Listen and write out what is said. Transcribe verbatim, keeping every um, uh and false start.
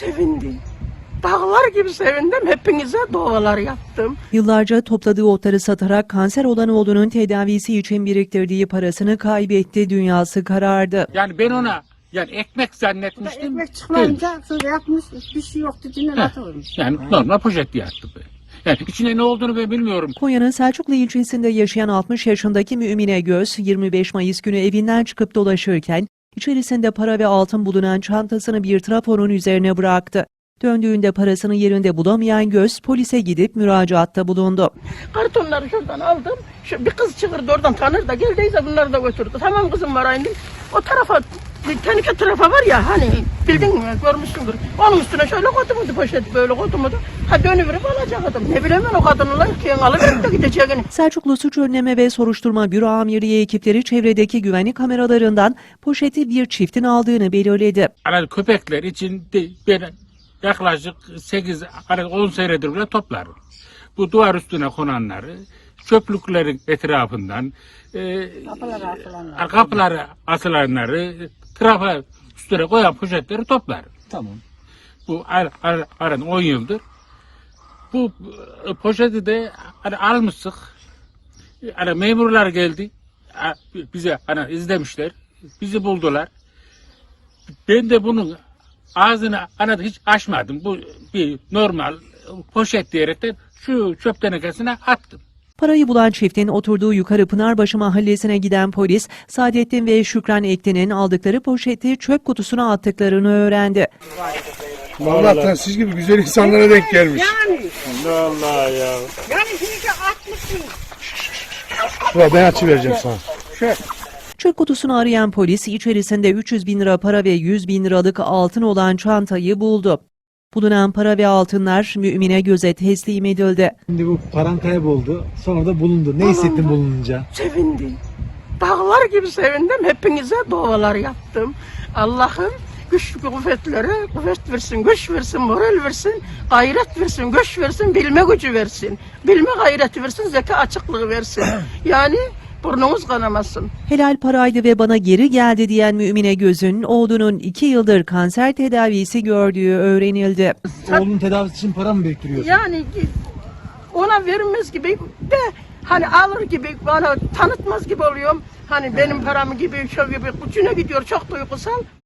Sevindi. Dağlar gibi sevindim. Hepinize dualar yaptım. Yıllarca topladığı otları satarak kanser olan oğlunun tedavisi için biriktirdiği parasını kaybetti, dünyası karardı. Yani ben ona yani ekmek zannetmiştim. Ekmek çıkmayınca şöyle yapmış, bir şey yoktu, dinle atılmış. Yani normal poşet yattı be. Yani içinde ne olduğunu ben bilmiyorum. Konya'nın Selçuklu ilçesinde yaşayan altmış yaşındaki Mümine Göz, yirmi beş Mayıs günü evinden çıkıp dolaşırken içerisinde para ve altın bulunan çantasını bir trafonun üzerine bıraktı. Döndüğünde parasını yerinde bulamayan Göz polise gidip müracaatta bulundu. Kartonları şuradan aldım. Şu bir kız çıkırdı oradan, tanır da geldiyse bunları da götürdü. Tamam kızım var indim. O tarafa, bir tenike tarafa var ya hani, bildin mi, görmüşsündür. Onun üstüne şöyle koydum poşeti, böyle koydum. Ha dönüverip alacaktım. Ne bileyim ben o kadını lan ki alıverip de gideceğini. Selçuklu Suç Önleme ve Soruşturma Büro Amirliği ekipleri çevredeki güvenlik kameralarından poşeti bir çiftin aldığını belirledi. Hani köpekler için de ben yaklaşık sekiz on senedir bile toplarım. Bu duvar üstüne konanları, çöplüklerin etrafından, e, Kapılara asılanlar. kapılara asılanları, trafa üstüne koyan poşetleri toplarım. Tamam. Bu ar, ar, aran on yıldır. Bu e, poşeti de hani almıştık. Hani memurlar geldi. Ha, bize hani izlemişler. Bizi buldular. Ben de bunun ağzını hani hiç açmadım. Bu bir normal poşet diyerekten şu çöp tenekesine attım. Parayı bulan çiftin oturduğu Yukarı Pınarbaşı mahallesine giden polis, Saadettin ve Şükran Ekli'nin aldıkları poşeti çöp kutusuna attıklarını öğrendi. Allah'tan siz gibi güzel insanlara denk gelmiş. Yani, Allah ya. yani şimdi atmışsın. Ulan ben açı vereceğim sana. Çöp kutusunu arayan polis içerisinde üç yüz bin lira para ve yüz bin liralık altın olan çantayı buldu. Bulunan para ve altınlar Mümine Göz'e teslim edildi. Şimdi bu paran kayboldu. Sonra da bulundu. Ne hissettin bulununca? Sevindi. Dağlar gibi sevindim. Hepinize dualar yaptım. Allah'ım güç kuvvetlere kuvvet versin, güç versin, moral versin, gayret versin, güç versin, bilme gücü versin. Bilme gayreti versin, zeka açıklığı versin. Yani burnumuz kanamasın. Helal paraydı ve bana geri geldi diyen Mümine Göz'ün oğlunun iki yıldır kanser tedavisi gördüğü öğrenildi. Oğlunun tedavisi için para mı biriktiriyorsun? Yani ona vermez gibi de hani alır gibi bana tanıtmaz gibi oluyorum. Hani benim param gibi, şu gibi ucuna gidiyor, çok duygusal.